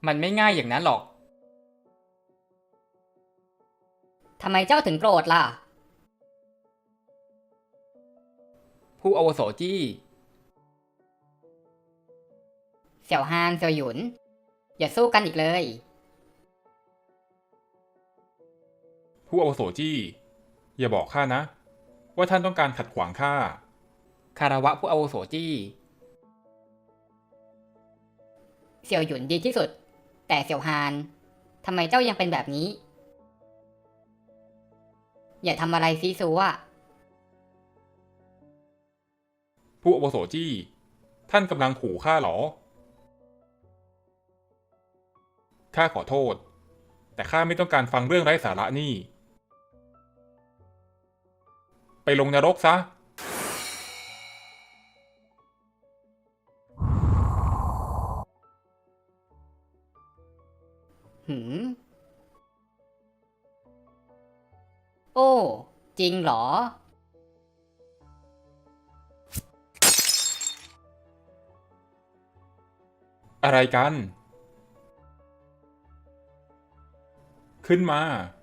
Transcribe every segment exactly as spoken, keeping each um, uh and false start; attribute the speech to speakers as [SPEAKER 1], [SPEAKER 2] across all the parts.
[SPEAKER 1] มันไม่ง่ายอย่างนั้นหรอก
[SPEAKER 2] ทำไมเจ้าถึงโกรธล่ะ
[SPEAKER 1] ผู้อาวุโสจี้
[SPEAKER 2] เสี่ยวฮานเสี่ยวหยุนอย่าสู้กันอีกเลย
[SPEAKER 3] ผู้อาวุโสจี้อย่าบอกข้านะว่าท่านต้องการขัดขวางข้า
[SPEAKER 1] คารวะผู้อาวุโสจี้
[SPEAKER 2] เสี่ยวหยุนดีที่สุดแต่เสี่ยวฮานทำไมเจ้ายังเป็นแบบนี้อย่าทำอะไรซีซัว
[SPEAKER 3] ผู้อาวุโสจี้ท่านกำลังขู่ข้าหรอข้าขอโทษแต่ข้าไม่ต้องการฟังเรื่องไร้สาระนี่ไปลงนรกซะ
[SPEAKER 2] หืมโอ้จริงเหรอ
[SPEAKER 3] อะไรกัน ขึ้นมา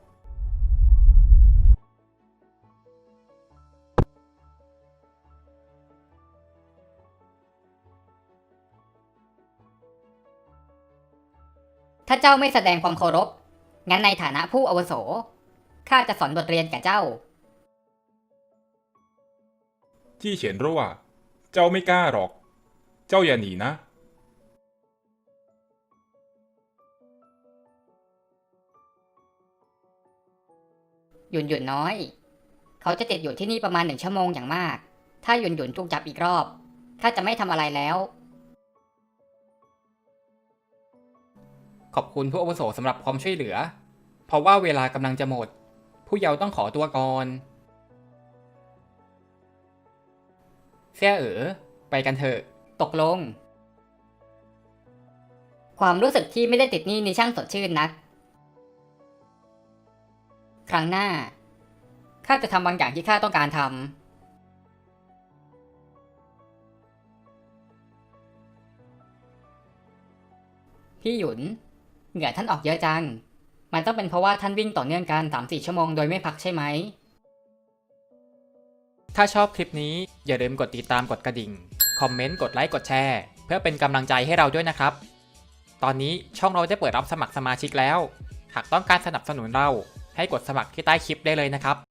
[SPEAKER 2] ถ้าเจ้าไม่แสดงความเคารพงั้นในฐานะผู้อาวุโสข้าจะสอนบทเรียนแก่เจ้า
[SPEAKER 3] จี้เฉียนรั่วเจ้าไม่กล้าหรอกเจ้าอย่าหนีนะ
[SPEAKER 2] หยุนหยุนน้อยเขาจะติดอยู่ที่นี่ประมาณหนึ่งชั่วโมงอย่างมากถ้าหยุนหยุนถูกจับอีกรอบข้าจะไม่ทำอะไรแล้ว
[SPEAKER 1] ขอบคุณผู้อาวุโสสำหรับความช่วยเหลือเพราะว่าเวลากำลังจะหมดผู้เยาว์ต้องขอตัวก่อนเสี่ยเอ๋อไปกันเถอะ
[SPEAKER 2] ตกลงความรู้สึกที่ไม่ได้ติดหนี้นี่ช่างสดชื่นนักครั้งหน้าข้าจะทำบางอย่างที่ข้าต้องการทำพี่หยุนเหงื่อท่านออกเยอะจังมันต้องเป็นเพราะว่าท่านวิ่งต่อเนื่องกัน สามถึงสี่ ชั่วโมงโดยไม่พักใช่ไหม
[SPEAKER 1] ถ้าชอบคลิปนี้อย่าลืมกดติดตามกดกระดิ่งคอมเมนต์กดไลค์กดแชร์เพื่อเป็นกำลังใจให้เราด้วยนะครับตอนนี้ช่องเราได้เปิดรับสมัครสมาชิกแล้วหากต้องการสนับสนุนเราให้กดสมัครที่ใต้คลิปได้เลยนะครับ